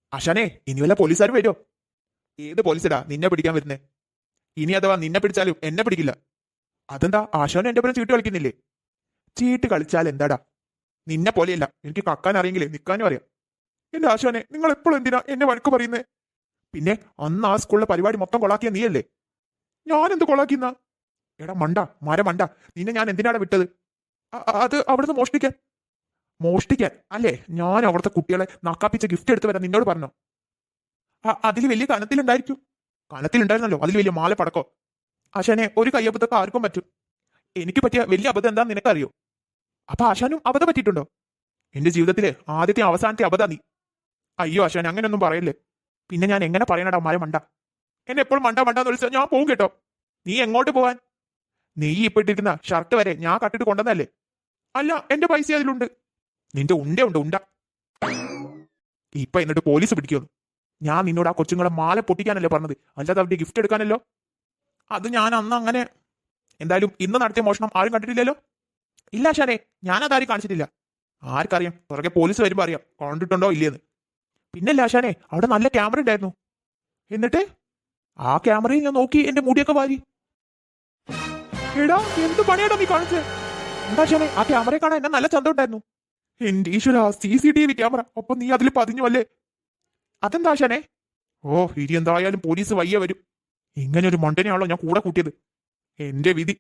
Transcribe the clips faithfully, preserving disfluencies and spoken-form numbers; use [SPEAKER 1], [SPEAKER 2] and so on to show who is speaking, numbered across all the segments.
[SPEAKER 1] ആശാനെ, ഇനി വല്ല പോലീസുകാർ വരുമോ? ഏത് പോലീസടാ നിന്നെ പിടിക്കാൻ വരുന്നേ? ഇനി അഥവാ നിന്നെ പിടിച്ചാലും എന്നെ പിടിക്കില്ല. അതെന്താ, ആശാനും എന്റെ പേരും ചീട്ട് കളിക്കുന്നില്ലേ? ചീട്ട് കളിച്ചാൽ എന്താടാ? നിന്നെ പോലെയല്ല, എനിക്ക് കക്കാൻ അറിയെങ്കിലേ നിൽക്കാനും അറിയാം. എന്റെ ആശാനെ, നിങ്ങൾ എപ്പോഴും എന്തിനാ എന്നെ വഴക്ക് പറയുന്നേ? പിന്നെ അന്ന് ആ സ്കൂളിലെ പരിപാടി മൊത്തം കൊളാക്കിയ നീയല്ലേ? ഞാനെന്ത് കൊളാക്കിന്ന? എടാ മണ്ട, മര മണ്ട, നിന്നെ ഞാൻ എന്തിനാടാ വിട്ടത്? അ- അത് അവിടുന്ന് മോഷ്ടിക്കാൻ. മോഷ്ടിക്കാൻ അല്ലേ? ഞാൻ അവിടുത്തെ കുട്ടികളെ നക്കാപ്പിച്ച ഗിഫ്റ്റ് എടുത്ത് വരാൻ നിന്നോട് പറഞ്ഞോ? അതിൽ വലിയ കനത്തിലുണ്ടായിരിക്കും. കനത്തിലുണ്ടായിരുന്നല്ലോ, അതിൽ വലിയ മാല പടക്കോ. ആശാനെ, ഒരു കയ്യബദ്ധമൊക്കെ ആർക്കും പറ്റും. എനിക്ക് പറ്റിയ വലിയ അബദ്ധം എന്താന്ന് നിനക്കറിയോ? അപ്പൊ ആശാനും അബദ്ധം പറ്റിയിട്ടുണ്ടോ? എന്റെ ജീവിതത്തിലെ ആദ്യത്തെ അവസാനത്തെ അബദ്ധ നീ. അയ്യോ ആശാനെ, അങ്ങനെയൊന്നും പറയല്ലേ. പിന്നെ ഞാൻ എങ്ങനെ പറയണടാ മര മണ്ട? എന്നെ എപ്പോഴും മണ്ട മണ്ടാന്ന് വിളിച്ചാൽ ഞാൻ പോകും കേട്ടോ. നീ എങ്ങോട്ട് പോവാൻ? നീ ഇപ്പൊ ഇട്ടിരിക്കുന്ന ഷർട്ട് വരെ ഞാൻ കട്ടിട്ട് കൊണ്ടുവന്നല്ലേ? അല്ല, എന്റെ പൈസ അതിലുണ്ട്. നിന്റെ ഉണ്ട ഉണ്ട് ഉണ്ട. ഇപ്പൊ എന്നിട്ട് പോലീസ് പിടിക്കുന്നു. ഞാൻ നിന്നോട് ആ കൊച്ചുങ്ങളെ മാല പൊട്ടിക്കാനല്ലേ പറഞ്ഞത്, അല്ലാതെ അവരുടെ ഗിഫ്റ്റ് എടുക്കാനല്ലോ. അത് ഞാൻ അന്ന് അങ്ങനെ. എന്തായാലും ഇന്ന് നടത്തിയ മോഷണം ആരും കണ്ടിട്ടില്ലല്ലോ? ഇല്ല ആശാനെ, ഞാനതാരും കാണിച്ചിട്ടില്ല. ആർക്കറിയാം, പുറകെ പോലീസ് വരുമ്പോ അറിയാം കണ്ടിട്ടുണ്ടോ ഇല്ലേന്ന്. പിന്നല്ല ആശാനെ, അവിടെ നല്ല ക്യാമറ ഉണ്ടായിരുന്നു. എന്നിട്ട് ആ ക്യാമറയിൽ ഞാൻ നോക്കി എന്റെ മുടിയൊക്കെ വാരി. എടാ, എന്ത് പണിയാടോ നീ കാണിച്ചത്? എന്താ ആശാനെ, ആ ക്യാമറയെ കാണാൻ എന്നെ നല്ല ചന്തം ഉണ്ടായിരുന്നു. എന്റെ ഈശ്വര, C C T V camera, ഒപ്പം നീ അതിൽ പതിഞ്ഞു അല്ലേ? അതെന്താ ആശാനെ? ഓ, ഇനി എന്തായാലും പോലീസ് വയ്യ വരും. ഇങ്ങനെ ഒരു മണ്ടനെയാണല്ലോ ഞാൻ കൂടെ കൂട്ടിയത്. എന്റെ വിധി.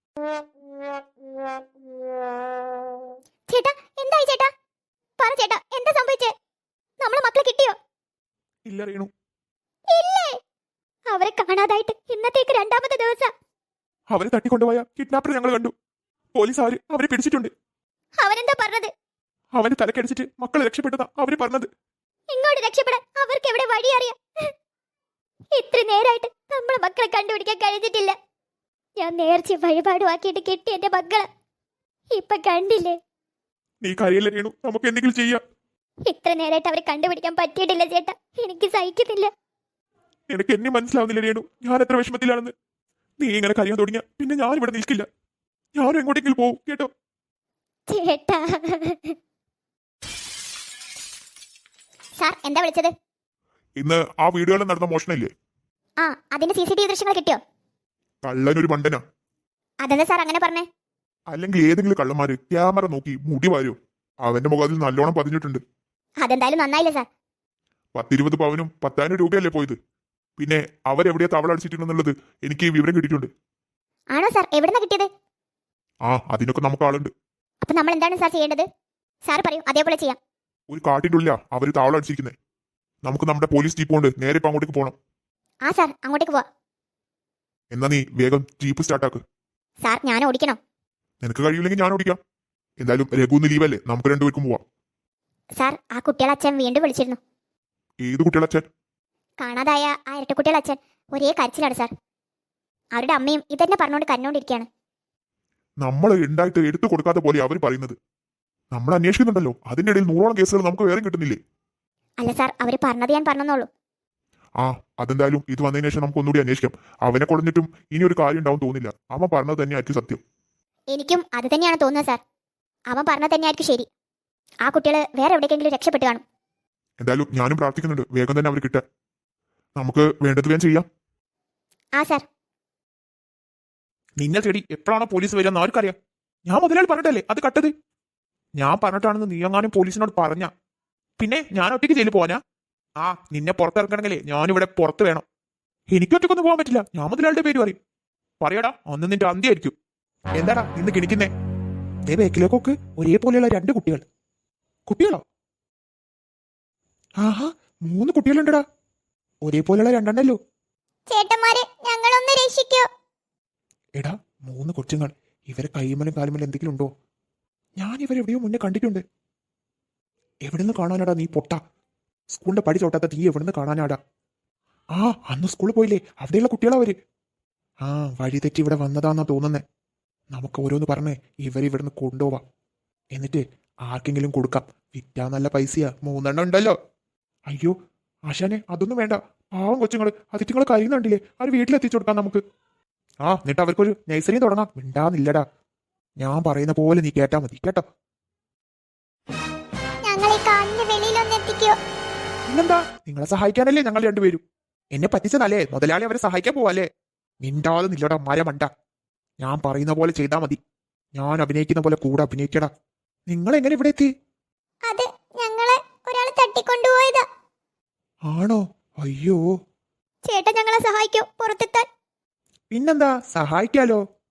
[SPEAKER 2] ചേട്ടാ, എന്തായി ചേട്ടാ? പറ ചേട്ടാ, എന്താ സംഭവിച്ചേ? നമ്മളെ മക്കളെ കിട്ടിയോ?
[SPEAKER 1] ഇല്ല റീണു.
[SPEAKER 2] ഇല്ലേ? അവരെ കാണാതായിട്ട് ഇന്നത്തേക്ക് രണ്ടാമത്തെ ദിവസം.
[SPEAKER 1] അവരെ തട്ടിക്കൊണ്ടുപോയ കിഡ്നാപ്പർ ഞങ്ങൾ കണ്ടു. പോലീസ് അവര് അവരെ പിടിച്ചിട്ടുണ്ട്.
[SPEAKER 2] അവരെന്താ പറഞ്ഞത്?
[SPEAKER 1] അവന് തലക്കടിച്ചിട്ട് മക്കളെ രക്ഷപ്പെട്ടതാ അവര് പറഞ്ഞത്.
[SPEAKER 2] ഇങ്ങോട്ട് രക്ഷപ്പെടാൻ അവർക്ക് എവിടെ വഴി അറിയാം? ഇത്ര നേരായിട്ട് നമ്മളെ മക്കളെ കണ്ടുപിടിക്കാൻ കഴിഞ്ഞിട്ടില്ല. ഞാൻ നേർച്ച വഴിപാടുമാക്കിയിട്ട് കിട്ടി എന്റെ മക്കളെ. ഇപ്പൊ കണ്ടില്ലേ?
[SPEAKER 1] നീ കരയല്ലേ റീണു, നമുക്ക് എന്തെങ്കിലും ചെയ്യാം.
[SPEAKER 2] ഇത്ര നേരായിട്ട് അവരെ കണ്ടുപിടിക്കാൻ പറ്റിയിട്ടില്ല ചേട്ടാ, എനിക്ക് സഹിക്കുന്നില്ല.
[SPEAKER 1] നിനക്ക് എന്നെ മനസ്സിലാവുന്നില്ല രേണു, ഞാൻ എത്ര വിഷമത്തിലാണെന്ന്. നീ ഇങ്ങനെ കരയാൻ തുടങ്ങിയ പിന്നെ ഞാൻ ഇവിടെ നിൽക്കില്ല. ഞാനും എങ്ങോട്ടെങ്കിലും പോവും കേട്ടോ.
[SPEAKER 2] ചേട്ടാ. സാർ, എന്താ വിളിച്ചത്?
[SPEAKER 1] ഇന്ന് ആ വീടുകളിൽ നടന്ന മോഷണമില്ലേ,
[SPEAKER 2] ആ, അതിന്റെ സി സി ടി വി ദൃശ്യങ്ങൾ കിട്ടിയോ?
[SPEAKER 1] കള്ളനൊരു മണ്ടനാ.
[SPEAKER 2] അതെന്താ സാർ അങ്ങനെ പറഞ്ഞേ?
[SPEAKER 1] അല്ലെങ്കിൽ ഏതെങ്കിലും കള്ളന്മാര് ക്യാമറ നോക്കി മുടി വാരോ? അവന്റെ മുഖത്തിൽ നല്ലോണം പതിഞ്ഞിട്ടുണ്ട്.
[SPEAKER 2] അതെന്തായാലും നന്നായില്ല സാർ.
[SPEAKER 1] പത്തിരുപത് പവനും പത്തായിരം രൂപയല്ലേ പോയത്. പിന്നെ അവരെവിടെയാ തവള അടിച്ചിട്ടുണ്ടെന്നുള്ളത് എനിക്ക് വിവരം കിട്ടിയിട്ടുണ്ട്.
[SPEAKER 2] ആണോ സാർ? എവിടുന്നാ കിട്ടിയത്?
[SPEAKER 1] ആ, അതിനൊക്കെ നമുക്ക് ആളുണ്ട്.
[SPEAKER 2] അപ്പൊ നമ്മൾ എന്താണ് സാർ ചെയ്യേണ്ടത്? സാർ പറയൂ, അതേപോലെ ചെയ്യാം.
[SPEAKER 1] ഒരു കാട്ടിന്റെ ഉള്ളിലാ അവര് താവളം അടിച്ചിരിക്കുന്നത്. നമുക്ക് നമ്മുടെ പോലീസ് ജീപ്പ് കൊണ്ട് നേരെ ഇപ്പൊ അങ്ങോട്ടേക്ക് പോകണം.
[SPEAKER 2] ആ സാർ, അങ്ങോട്ടേക്ക് പോവാ.
[SPEAKER 1] എന്നാ നീ വേഗം ജീപ്പ് സ്റ്റാർട്ടാക്ക്.
[SPEAKER 2] സാർ, ഞാൻ ഓടിക്കണോ?
[SPEAKER 1] നിനക്ക് കഴിയില്ലെങ്കിൽ ഞാൻ ഓടിക്കാം. എന്തായാലും രഘുന്ന് ലീവല്ലേ, നമുക്ക് രണ്ടുപേർക്കും പോവാം.
[SPEAKER 2] സാർ, ആ കുട്ടികളെ അച്ഛൻ വീണ്ടും വിളിച്ചിരുന്നു.
[SPEAKER 1] ഏത് കുട്ടികളച്ഛൻ?
[SPEAKER 2] കാണാതായ ആ ഇരട്ടക്കുട്ടികളെ അച്ഛൻ ഒരേ കരച്ചിലാണ് സാർ. അവരുടെ അമ്മയും ഇതന്നെ പറഞ്ഞുകൊണ്ട് കരഞ്ഞോണ്ടിരിക്കുകയാണ്.
[SPEAKER 1] നമ്മൾ ഉണ്ടായിട്ട് എടുത്തു കൊടുക്കാത്ത പോലെ അവർ പറയുന്നത്. നമ്മൾ അന്വേഷിക്കുന്നുണ്ടല്ലോ, അതിന്റെ ഇടയിൽ നൂറോളം കേസുകൾ നമുക്ക് വേറെ കിട്ടുന്നില്ലേ?
[SPEAKER 2] അല്ല സാർ, അവർ പറഞ്ഞത് ഞാൻ പറഞ്ഞെന്നുള്ളൂ.
[SPEAKER 1] ആ, അതെന്തായാലും ഇത് വന്നതിന് ശേഷം നമുക്ക് ഒന്നുകൂടി അന്വേഷിക്കാം. അവനെ കൊടുത്തിട്ടും ഇനി ഒരു കാര്യം ഉണ്ടാവും തോന്നില്ല. അവൻ പറഞ്ഞത് തന്നെയായിരിക്കും സത്യം.
[SPEAKER 2] എനിക്കും അത് തന്നെയാണ് തോന്നുന്നത് സാർ. അവൻ പറഞ്ഞത് തന്നെയായിരിക്കും ശരി. ആ കുട്ടികൾ വേറെ എവിടേക്കെങ്കിലും രക്ഷപ്പെട്ട് കാണും.
[SPEAKER 1] എന്തായാലും ഞാനും പ്രാർത്ഥിക്കുന്നുണ്ട് വേഗം തന്നെ അവർ കിട്ടാൻ. നമുക്ക് വേണ്ടത് വേഗം ചെയ്യാം.
[SPEAKER 2] ആ സാർ.
[SPEAKER 1] നിന്നെ തേടി എപ്പോഴാണോ പോലീസ് വരിക എന്ന് ആർക്കറിയാം? ഞാൻ മുതലാളി പറഞ്ഞിട്ടല്ലേ അത് കട്ടത്. ഞാൻ പറഞ്ഞിട്ടാണെന്ന് നീ എങ്ങാനും പോലീസിനോട് പറഞ്ഞ പിന്നെ ഞാൻ ഒറ്റയ്ക്ക് ജയിലിൽ പോവാനാ? ആ, നിന്നെ പുറത്തിറക്കണമെങ്കിലേ ഞാനിവിടെ പുറത്ത് വേണം. എനിക്ക് ഒറ്റയ്ക്കൊന്നും പോകാൻ പറ്റില്ല. ഞാൻ മുതലാളിയുടെ പേര് പറയും. പറയടാ, അന്ന് നിന്റെ അന്ത്യായിരിക്കും. എന്താടാ ഇന്ന് കിണിക്കുന്നേ? ദേ ബേക്കിലേക്കൊക്കെ ഒരേപോലെയുള്ള രണ്ട് കുട്ടികൾ. കുട്ടികളോ? ആഹാ, മൂന്ന് കുട്ടികളുണ്ടടാ. ഒരേപോലെയുള്ള രണ്ടെണ്ണല്ലോ.
[SPEAKER 2] ചേട്ടന്മാരെ, ഞങ്ങളൊന്ന് രക്ഷിക്കോ.
[SPEAKER 1] എടാ, മൂന്ന് കൊച്ചുങ്ങൾ. ഇവരെ കൈമലും കാലുമലും എന്തെങ്കിലും ഉണ്ടോ? ഞാൻ ഇവരെവിടെയോ മുന്നേ കണ്ടിട്ടുണ്ട്. എവിടുന്ന് കാണാനാടാ നീ പൊട്ട? സ്കൂളിന്റെ പടി ചോട്ടാത്ത തീ എവിടുന്ന് കാണാനാടാ? ആ, അന്ന് സ്കൂളിൽ പോയില്ലേ, അവിടെയുള്ള കുട്ടികളാ അവര്. ആ, വഴി തെറ്റി ഇവിടെ വന്നതാന്നാ തോന്നുന്നേ. നമുക്ക് ഓരോന്ന് പറഞ്ഞേ ഇവരിവിടുന്ന് കൊണ്ടുപോവാം. എന്നിട്ട് ആർക്കെങ്കിലും കൊടുക്കാം. വിറ്റാ നല്ല പൈസയാ, മൂന്നെണ്ണം ഉണ്ടല്ലോ. അയ്യോ ആശാനെ, അതൊന്നും വേണ്ട. പാവം കൊച്ചുങ്ങള്, അതിറ്റുങ്ങള് കരയുന്നുണ്ടില്ലേ, അവർ വീട്ടിലെത്തിച്ചു കൊടുക്കാം നമുക്ക്. ആ, എന്നിട്ട് അവർക്കൊരു നഴ്സറിയും തുടങ്ങാം. മിണ്ടാന്നില്ലടാ. ഞാൻ പറയുന്ന പോലെ നീ കേട്ടാ മതി കേട്ടോ.
[SPEAKER 2] ഞങ്ങളെ കാലിന് വെളിയിലൊന്ന് എത്തിക്കോ.
[SPEAKER 1] പിന്നെന്താ, നിങ്ങളെ സഹായിക്കാനല്ലേ ഞങ്ങൾ രണ്ടുപേരും. എന്നെ പറ്റിച്ചതല്ലേ, മുതലാളി അവരെ സഹായിക്കാൻ പോവല്ലേ. മിണ്ടാതെ നില്ലടാ മരമണ്ട. ഞാൻ പറയുന്ന പോലെ ചെയ്താ മതി. ഞാൻ അഭിനയിക്കുന്ന പോലെ കൂടെ അഭിനയിക്കടാ. നിങ്ങൾ എങ്ങനെ ഇവിടെ എത്തി?
[SPEAKER 2] അത് ഞങ്ങളെ ഒരാൾ തട്ടിക്കൊണ്ടുപോയതാ.
[SPEAKER 1] ആണോ? അയ്യോ.
[SPEAKER 2] ചേട്ടൻ ഞങ്ങളെ സഹായിക്കോ പുറത്തെത്താൻ?
[SPEAKER 1] പിന്നെന്താ, സഹായിക്കാലോ.